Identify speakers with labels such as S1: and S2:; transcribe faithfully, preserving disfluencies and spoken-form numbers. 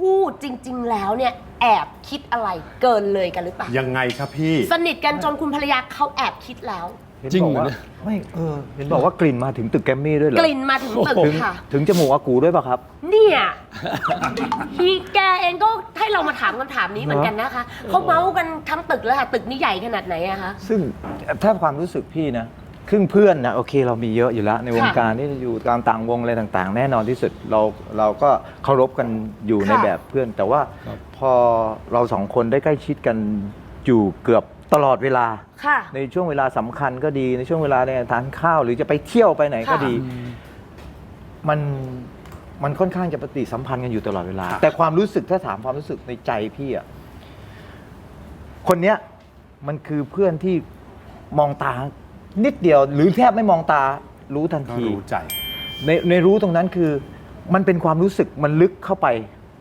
S1: คู่จริงๆแล้วเนี่ยแอบคิดอะไรเกินเลยกันหรือเปล่ายัง
S2: ไงครับพี่
S1: สนิทกันจนคุณภรรยาเขาแอบคิดแล้ว
S3: จริงเหรอไม่เออเห็นบอกว่ากลิ่นมาถึงตึกแกรมมี่ด้วยเหรอก
S1: ลิ่นมาถึงตึกค่ะ
S3: ถึงจมูกอากูด้วยป่ะครับ
S1: เนี่ยฮีแกเองก็ให้เรามาถามคำถามนี้เหมือนกันนะคะเขาเมาส์กันทั้งตึกแล้วค่ะตึกนี้ใหญ่ขนาดไหนอะคะ
S3: ซึ่งถ้าความรู้สึกพี่นะครึ่งเพื่อนนะโอเคเรามีเยอะอยู่แล้วในวงการที่อยู่ตามต่างวงอะไรต่างๆ แน่นอนที่สุดเราเราก็เคารพกันอยู่ในแบบเพื่อนแต่ว่าพอเราสองคนได้ใกล้ชิดกันอยู่เกือบตลอดเวลาในช่วงเวลาสำคัญก็ดีในช่วงเวลาในทานข้าวหรือจะไปเที่ยวไปไหนก็ดีมันมันค่อนข้างจะปฏิสัมพันธ์กันอยู่ตลอดเวลาแต่ความรู้สึกถ้าถามความรู้สึกในใจพี่อ่ะคนเนี้ยมันคือเพื่อนที่มองตานิดเดียวหรือแทบไม่มองตารู้ทันที
S2: รู้ใจ
S3: ในในรู้ตรงนั้นคือมันเป็นความรู้สึกมันลึกเข้าไป